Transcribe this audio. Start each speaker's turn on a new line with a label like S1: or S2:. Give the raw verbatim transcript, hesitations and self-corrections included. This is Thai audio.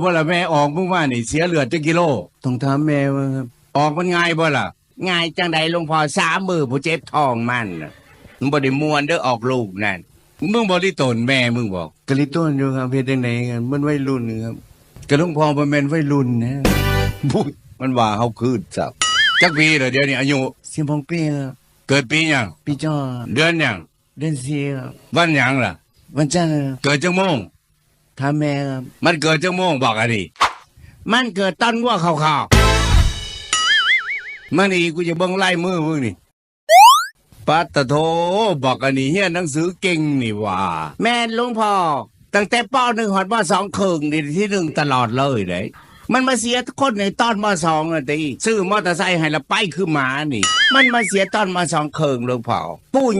S1: บ่ล่ะแม่ออกมึงว่านี่เสียเลือดจักกิโล
S2: ต้องถามแม่ว่าครับ
S1: ออกมันง่ายบ่ล่ะ
S3: ง่ายจังใดหลวงพ่อสามมือผู้เจ็บท้องมันน่ะมันบ่ได้มวนเด้อออกลูกนั่น
S1: มึงบ่ได้ตนแม่มึงบอก
S2: กะลิต้นอยู่ครับเฮ็ดจังไดกันมันวัยรุ่นครับ
S1: กระลุงพอบ่แม่นวัยรุ่นนะบุ้ยมันว่าเฮาคืนซับจักปีเหรอเดี๋ยวนี้อายุ
S2: สิบหกปีครับ
S1: เกิดปีหยัง
S2: พี่จ้อ
S1: เดือนหยัง
S2: เดือนสี่ครับ
S1: วันหยังล่ะ
S2: วันจันทร์ครับ
S1: เกิดจังโมง
S2: ถามแม่ครับ
S1: มันเกิดจังโมงบอกอันนี้
S3: มันเกิดต้นวัวขาว
S1: มันอีกูจะเบิ่งไล่มือมึงนี่ปัตตะโทบอกอันนี้เฮียนหนังสือเก่งนี่ว่า
S3: ๆแม่นหลวงพ่อตั้งแต่ปหนึ่งหอดปสองครึ่งนี่ที่หนึ่งตลอดเลยเด้มันมาเสียคนในตอนมสองอ่ะติซื้อมอเตอร์ไซค์ให้ละไปคือหมานี่ มันมาเสียตอนมสองครึ่งหลวงพ่อปู่